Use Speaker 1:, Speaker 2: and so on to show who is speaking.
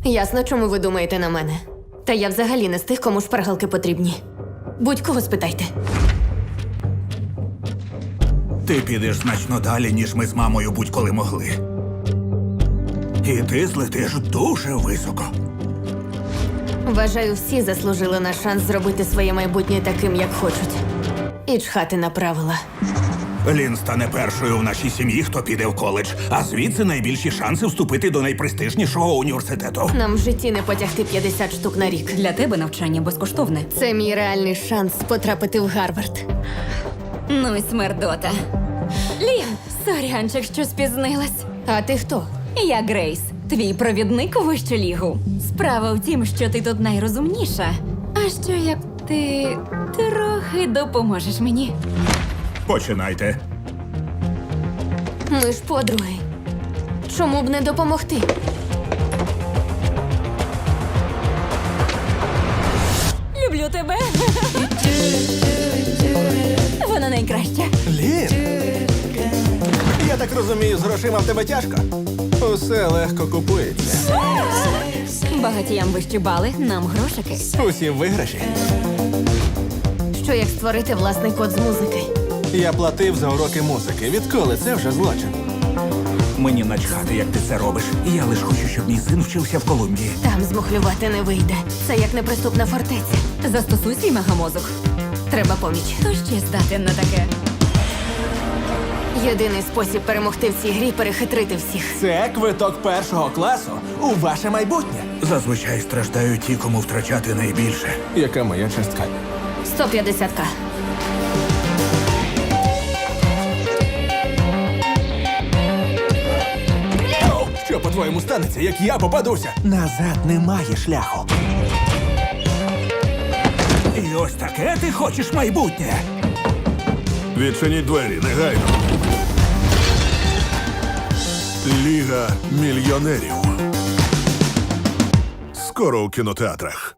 Speaker 1: Ясно, чому ви думаєте на мене. Та я взагалі не з тих, кому шпаргалки потрібні. Будь-кого спитайте.
Speaker 2: Ти підеш значно далі, ніж ми з мамою будь-коли могли. І ти злетиш дуже високо.
Speaker 1: Вважаю, всі заслужили на шанс зробити своє майбутнє таким, як хочуть. І чхати на правила.
Speaker 2: Лін стане першою в нашій сім'ї, хто піде в коледж, а звідси найбільші шанси вступити до найпрестижнішого університету.
Speaker 1: Нам в житті не потягти 50 штук на рік.
Speaker 3: Для тебе навчання безкоштовне.
Speaker 1: Це мій реальний шанс потрапити в Гарвард.
Speaker 3: Ну й смердота. Лін, сорянчик, що спізнилась.
Speaker 1: А ти хто?
Speaker 3: Я Грейс, твій провідник у вищу лігу. Справа в тім, що ти тут найрозумніша. А що як ти трохи допоможеш мені?
Speaker 2: Починайте.
Speaker 1: Ми ж подруги. Чому б не допомогти?
Speaker 3: Люблю тебе. Вона найкраща.
Speaker 4: Лін! Я так розумію, з грошима в тебе тяжко? Усе легко купується.
Speaker 3: Багатіям вищі бали, нам грошики.
Speaker 4: Усі виграші.
Speaker 1: Що як створити власний код з музики?
Speaker 4: Я платив за уроки музики. Відколи це вже злочин?
Speaker 2: Мені начхати, як ти це робиш. Я лиш хочу, щоб мій син вчився в Колумбії.
Speaker 1: Там змухлювати не вийде. Це як неприступна фортеця.
Speaker 3: Застосуй свій мегамозок.
Speaker 1: Треба поміч.
Speaker 3: Хто ще здатен на таке?
Speaker 1: Єдиний спосіб перемогти в цій грі – перехитрити всіх.
Speaker 4: Це квиток першого класу у ваше майбутнє.
Speaker 2: Зазвичай страждають ті, кому втрачати найбільше.
Speaker 4: Яка моя частка?
Speaker 1: 150к.
Speaker 4: Що, по-твоєму, станеться, як я попадуся? Назад немає шляху.
Speaker 2: І ось таке ти хочеш майбутнє.
Speaker 5: Відчиніть двері, негайно. Ліга мільйонерів. Скоро у кінотеатрах.